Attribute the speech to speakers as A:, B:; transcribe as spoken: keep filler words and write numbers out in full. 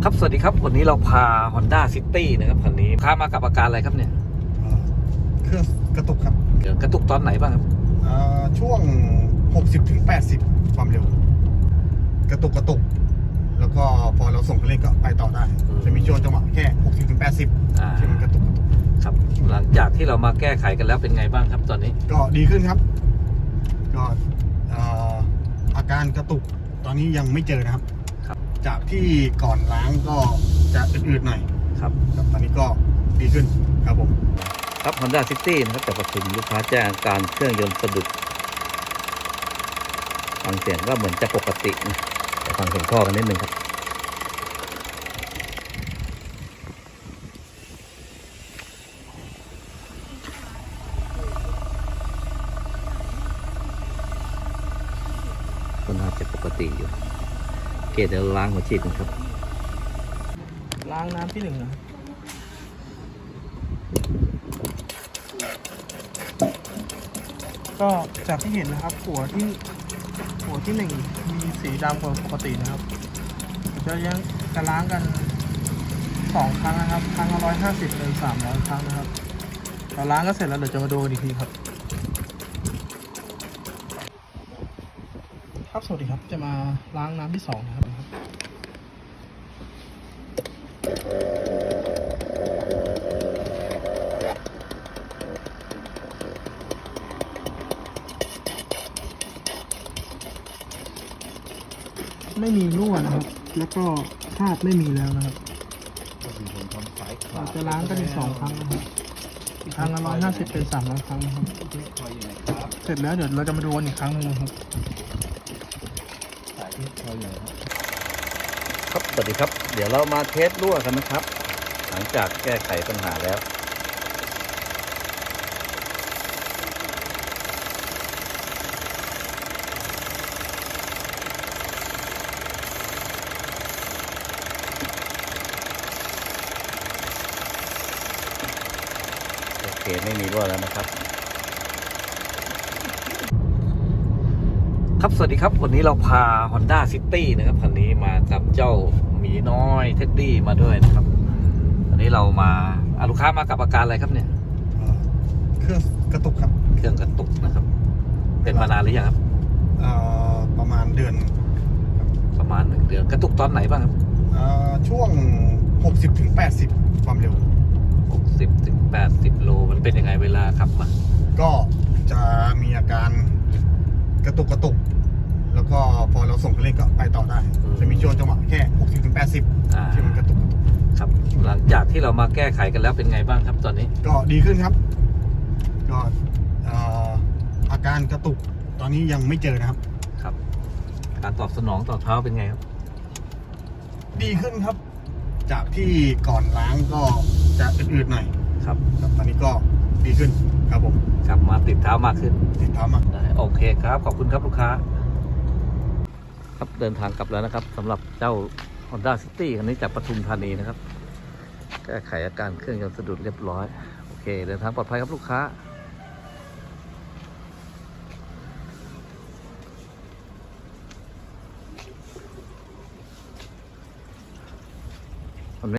A: ครับสวัสดีครับวันนี้เราพา Honda City นะครับคันนี้พามากับอาการอะไรครับเนี่ย
B: เครื่องกระตุกครับ
A: เดี๋ยวกระตุกตอนไหนบ้างครับ
B: ช่วง หกสิบถึงแปดสิบ ความเร็วกระตุกกระตุกแล้วก็พอเราส่งคันเร่งก็ไปต่อได้จะมีช่วงจังหวะแค่ หกสิบถึงแปดสิบ ที่มันกระตุกกระตุก
A: ครับหลังจากที่เรามาแก้ไขกันแล้วเป็นไงบ้างครับตอนนี้
B: ก็ดีขึ้นครับก็อาการกระตุกตอนนี้ยังไม่เจอนะครับจากที่ก่อนล้างก็จะอืดๆหน่อย
A: ครับ
B: ตอนนี้ก็ดีขึ้นครับผม
A: ครับ Honda City นะครับจากปทุมลูกค้าแจ้งอาการเครื่องยนต์สะดุดฟังเสียงก็เหมือนจะปกตินะแต่ฟังเสียงท่อกันนิดนึงครับก็น่าจะปกติอยู่เกตเดี๋ยวล้างหัวฉีดกันครับ
C: ล้างน้ำที่หนึ่งนะก็จากที่เห็นนะครับหัวที่หัวที่หนึ่งมีสีดำกว่าปกตินะครับจะยังจะล้างกันสองครั้งนะครับครั้งละร้อยห้าสิบเป็นสามร้อยครั้งนะครับเราล้างก็เสร็จแล้วเดี๋ยวจะมาดูกันอีกทีครับครับสวัสดีครับจะมาล้างน้ำที่สองนะครับไม่มีรั่วนะครับแล้วก็คราบไม่มีแล้วนะครับเราจะล้างกันอีกสองครั้งนะครับครั้งละร้อยห้าสิบเป็นสามร้อยครั้งนะครับเสร็จแล้วเดี๋ยวเราจะมาดูกันอีกครั้งหนึ่งนะครับ
A: ครับสวัสดีครับเดี๋ยวเรามาเทสรั่วกันนะครับหลังจากแก้ไขปัญหาแล้วโอเคไม่มีรั่วแล้วนะครับครับสวัสดีครับวันนี้เราพา Honda City นะครับคันนี้มากับเจ้าหมีน้อยเท็ดดี้มาด้วยนะครับวันนี้เรามาลูกค้ามากับอาการอะไรครับเนี่ย
B: เครื่องกระตุกครับ
A: เครื่องกระตุกนะครับเป็นมานานหรือยังครับ
B: ประมาณเดือน
A: ประมาณหนึ่งเดือนกระตุกตอนไหนบ้างครับ
B: ช่วง หกสิบถึงแปดสิบ ความเร็ว
A: หกสิบถึงแปดสิบ โลมันเป็นยังไงเวลาขับมา
B: ก็จะมีอาการกระตุกกระตุกแล้วก็พอเราส่งคันเร่งก็ไปต่อได้จะมีช่วงจังหวะแค่ หกสิบถึงแปดสิบ ที่มันกระตุกกระตุก
A: ครับหลังจากที่เรามาแก้ไขกันแล้วเป็นไงบ้างครับตอนนี้
B: ก็ดีขึ้นครับก็อาการกระตุกตอนนี้ยังไม่เจอนะครับ
A: ครับการตอบสนองต่อเท้าเป็นไงครับ
B: ดีขึ้นครับจากที่ก่อนล้างก็จะอืดๆหน่อย
A: ครับ
B: ตอนนี้ก็ดีขึ้นครับผม
A: กลับมาติดเท้ามากขึ้น
B: ติดเท้ามาก
A: ได้โอเคครับขอบคุณครับลูกค้าครับเดินทางกลับแล้วนะครับสำหรับเจ้า Honda City คันนี้จากปทุมธานีนะครับแก้ไขอาการเครื่องยนต์สะดุดเรียบร้อยโอเคเดินทางปลอดภัยครับลูกค้า